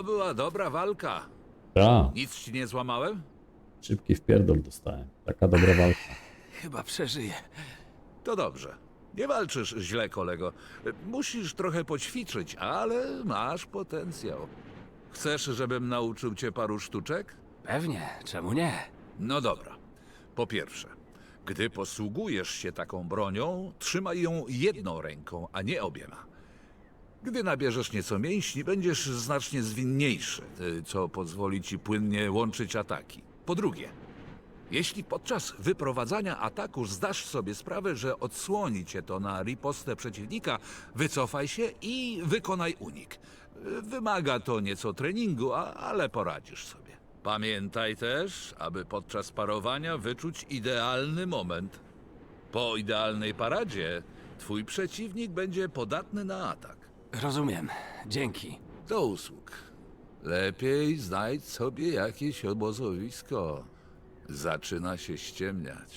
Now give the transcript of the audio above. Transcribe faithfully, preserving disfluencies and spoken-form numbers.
była dobra walka. Ta, Nic ci nie złamałem? szybki wpierdol dostałem. Taka dobra walka. Chyba przeżyję. To dobrze. Nie walczysz źle, kolego. Musisz trochę poćwiczyć, ale masz potencjał. Chcesz, żebym nauczył cię paru sztuczek? Pewnie, czemu nie? No dobra. Po pierwsze, gdy posługujesz się taką bronią, trzymaj ją jedną ręką, a nie obiema. Gdy nabierzesz nieco mięśni, będziesz znacznie zwinniejszy, y, co pozwoli ci płynnie łączyć ataki. Po drugie, jeśli podczas wyprowadzania ataku zdasz sobie sprawę, że odsłoni cię to na ripostę przeciwnika, wycofaj się i wykonaj unik. Y, Wymaga to nieco treningu, a, ale poradzisz sobie. Pamiętaj też, aby podczas parowania wyczuć idealny moment. Po idealnej paradzie twój przeciwnik będzie podatny na atak. Rozumiem. Dzięki. Do usług. Lepiej znajdź sobie jakieś obozowisko. Zaczyna się ściemniać.